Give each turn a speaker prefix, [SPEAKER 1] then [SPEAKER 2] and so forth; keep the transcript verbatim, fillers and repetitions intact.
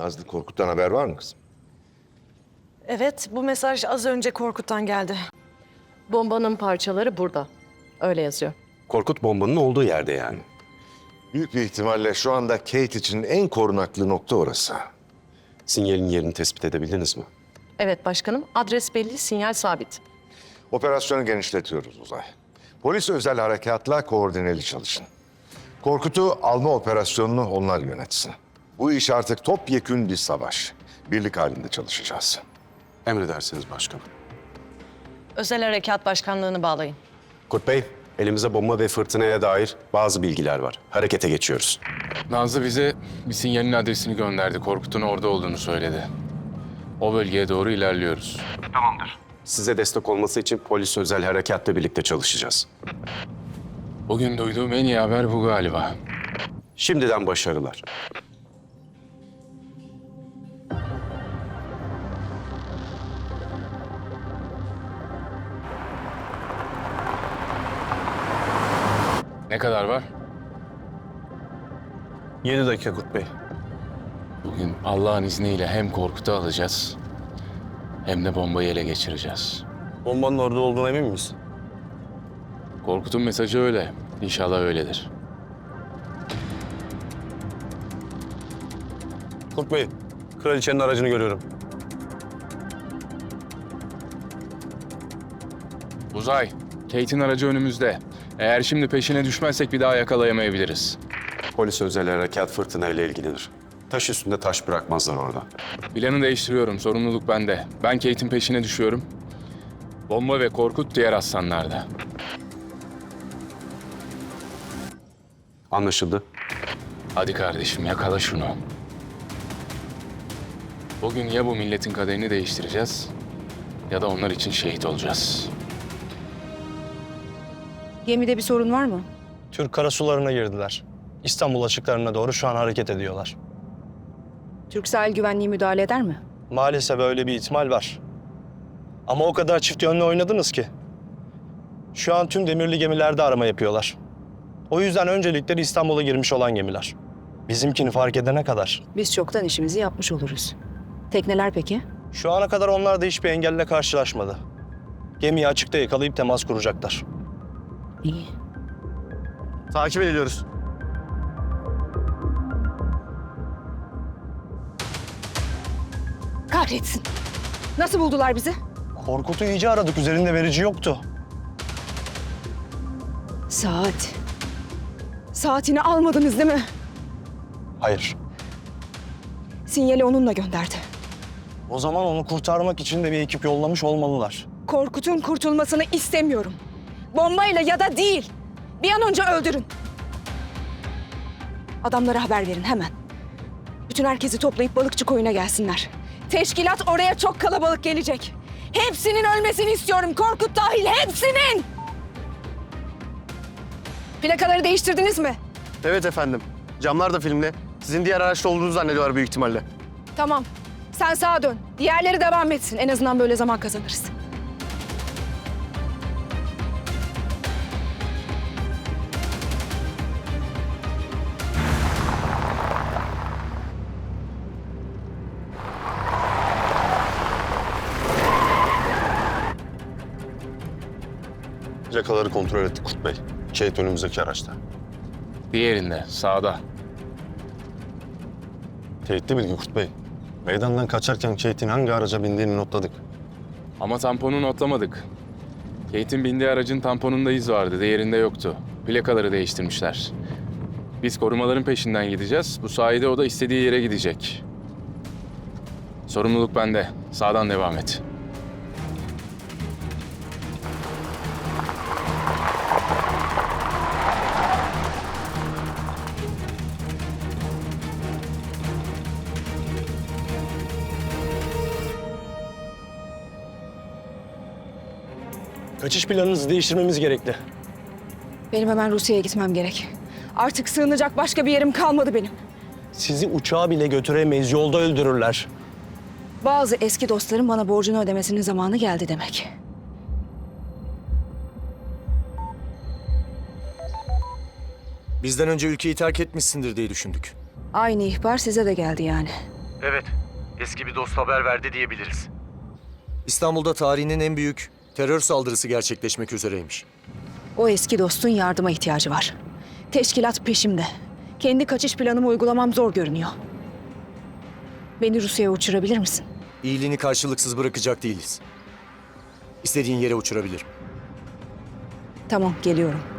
[SPEAKER 1] Nazlı, Korkut'tan haber var mı kızım?
[SPEAKER 2] Evet, bu mesaj az önce Korkut'tan geldi.
[SPEAKER 3] Bombanın parçaları burada. Öyle yazıyor.
[SPEAKER 4] Korkut bombanın olduğu yerde yani.
[SPEAKER 1] Büyük bir ihtimalle şu anda Kate için en korunaklı nokta orası.
[SPEAKER 4] Sinyalin yerini tespit edebildiniz mi?
[SPEAKER 3] Evet başkanım, adres belli, sinyal sabit.
[SPEAKER 1] Operasyonu genişletiyoruz Uzay. Polis özel harekatla koordineli çalışın. Korkut'u alma operasyonunu onlar yönetsin. Bu iş artık topyekün bir savaş. Birlik halinde çalışacağız.
[SPEAKER 4] Emredersiniz başkanım.
[SPEAKER 2] Özel Harekat Başkanlığı'nı bağlayın.
[SPEAKER 4] Kurt Bey, elimize bomba ve fırtınaya dair bazı bilgiler var. Harekete geçiyoruz.
[SPEAKER 5] Nazlı bize bir sinyalin adresini gönderdi. Korkut'un orada olduğunu söyledi. O bölgeye doğru ilerliyoruz.
[SPEAKER 4] Size destek olması için polis özel harekatla birlikte çalışacağız.
[SPEAKER 5] Bugün duyduğum en iyi haber bu galiba.
[SPEAKER 4] Şimdiden başarılar.
[SPEAKER 5] Ne kadar var?
[SPEAKER 6] Yedi dakika Kurt Bey.
[SPEAKER 5] Bugün Allah'ın izniyle hem Korkut'u alacağız hem de bombayı ele geçireceğiz.
[SPEAKER 6] Bombanın orada olduğuna emin miyiz?
[SPEAKER 5] Korkut'un mesajı öyle. İnşallah öyledir.
[SPEAKER 6] Kurt Bey, kraliçenin aracını görüyorum.
[SPEAKER 5] Uzay, Kate'in aracı önümüzde. Eğer şimdi peşine düşmezsek bir daha yakalayamayabiliriz.
[SPEAKER 4] Polis özel harekat fırtınayla ilgilidir. Taş üstünde taş bırakmazlar orada.
[SPEAKER 5] Planı değiştiriyorum. Sorumluluk bende. Ben Kate'in peşine düşüyorum. Bomba ve Korkut diğer aslanlarda.
[SPEAKER 4] Anlaşıldı.
[SPEAKER 5] Hadi kardeşim yakala şunu. Bugün ya bu milletin kaderini değiştireceğiz ya da onlar için şehit olacağız.
[SPEAKER 7] Gemide bir sorun var mı?
[SPEAKER 6] Türk karasularına girdiler. İstanbul açıklarına doğru şu an hareket ediyorlar.
[SPEAKER 7] Türk sahil güvenliği müdahale eder mi?
[SPEAKER 6] Maalesef öyle bir ihtimal var. Ama o kadar çift yönlü oynadınız ki. Şu an tüm demirli gemilerde arama yapıyorlar. O yüzden öncelikleri İstanbul'a girmiş olan gemiler. Bizimkini fark edene kadar.
[SPEAKER 7] Biz çoktan işimizi yapmış oluruz. Tekneler peki?
[SPEAKER 6] Şu ana kadar onlar da hiçbir engelle karşılaşmadı. Gemiyi açıkta yakalayıp temas kuracaklar.
[SPEAKER 7] İyi.
[SPEAKER 6] Takip ediyoruz.
[SPEAKER 7] Kahretsin. Nasıl buldular bizi?
[SPEAKER 6] Korkut'u iyice aradık. Üzerinde verici yoktu.
[SPEAKER 7] Saat. Saatini almadınız değil mi?
[SPEAKER 6] Hayır.
[SPEAKER 7] Sinyali onunla gönderdi.
[SPEAKER 6] O zaman onu kurtarmak için de bir ekip yollamış olmalılar.
[SPEAKER 7] Korkut'un kurtulmasını istemiyorum. Bombayla ya da değil. Bir an önce öldürün. Adamlara haber verin hemen. Bütün herkesi toplayıp balıkçı koyuna gelsinler. Teşkilat oraya çok kalabalık gelecek. Hepsinin ölmesini istiyorum. Korkut dahil hepsinin. Plakaları değiştirdiniz mi?
[SPEAKER 8] Evet efendim. Camlar da filmli. Sizin diğer araçta olduğunuzu zannediyorlar büyük ihtimalle.
[SPEAKER 7] Tamam. Sen sağa dön. Diğerleri devam etsin. En azından böyle zaman kazanırız.
[SPEAKER 6] Plakaları kontrol ettik Kurt Bey. Kate önümüzdeki araçta.
[SPEAKER 5] Diğerinde sağda.
[SPEAKER 6] Teyitli bilgi Kurt Bey. Meydandan kaçarken Kate'in hangi araca bindiğini notladık.
[SPEAKER 5] Ama tamponu notlamadık. Kate'in bindiği aracın tamponunda iz vardı, diğerinde yoktu. Plakaları değiştirmişler. Biz korumaların peşinden gideceğiz. Bu sayede o da istediği yere gidecek. Sorumluluk bende. Sağdan devam et.
[SPEAKER 6] Kaçış planınızı değiştirmemiz gerekli.
[SPEAKER 7] Benim hemen Rusya'ya gitmem gerek. Artık sığınacak başka bir yerim kalmadı benim.
[SPEAKER 6] Sizi uçağa bile götüremeyiz, yolda öldürürler.
[SPEAKER 7] Bazı eski dostlarım bana borcunu ödemesinin zamanı geldi demek.
[SPEAKER 8] Bizden önce ülkeyi terk etmişsindir diye düşündük.
[SPEAKER 7] Aynı ihbar size de geldi yani.
[SPEAKER 9] Evet, eski bir dost haber verdi diyebiliriz.
[SPEAKER 10] İstanbul'da tarihinin en büyük terör saldırısı gerçekleşmek üzereymiş.
[SPEAKER 7] O eski dostun yardıma ihtiyacı var. Teşkilat peşimde. Kendi kaçış planımı uygulamam zor görünüyor. Beni Rusya'ya uçurabilir misin?
[SPEAKER 10] İyiliğini karşılıksız bırakacak değiliz. İstediğin yere uçurabilirim.
[SPEAKER 7] Tamam, geliyorum.